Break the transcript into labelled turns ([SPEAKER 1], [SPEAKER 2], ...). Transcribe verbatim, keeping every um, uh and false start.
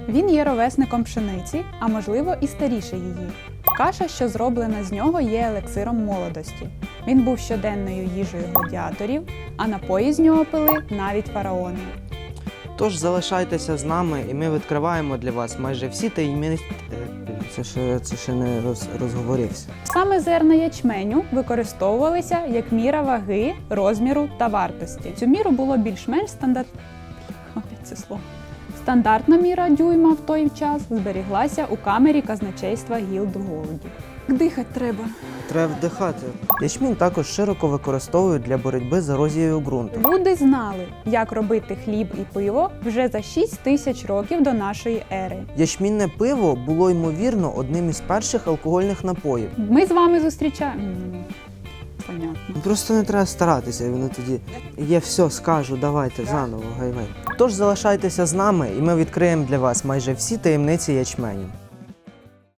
[SPEAKER 1] Він є ровесником пшениці, а можливо і старіше її. Каша, що зроблена з нього, є елексиром молодості. Він був щоденною їжею гладіаторів, а напої з нього пили навіть фараони.
[SPEAKER 2] Тож залишайтеся з нами, і ми відкриваємо для вас майже всі таємниці. Це ще, це ще не роз, розговорився.
[SPEAKER 1] Саме зерна ячменю використовувалися як міра ваги, розміру та вартості. Цю міру було більш-менш стандарт... Опять це слово. Стандартна міра дюйма в той час зберіглася у камері казначейства гілд в Голоді. Дихати треба.
[SPEAKER 2] Треба вдихати. Ячмінь також широко використовують для боротьби з ерозією ґрунту.
[SPEAKER 1] Люди знали, як робити хліб і пиво вже за шість тисяч років до нашої ери.
[SPEAKER 2] Ячмінне пиво було, ймовірно, одним із перших алкогольних напоїв.
[SPEAKER 1] Ми з вами зустрічаємо. М, Понятно.
[SPEAKER 2] Просто не треба старатися, і воно тоді є все, скажу, давайте заново, гайвей. Тож залишайтеся з нами, і ми відкриємо для вас майже всі таємниці ячменю.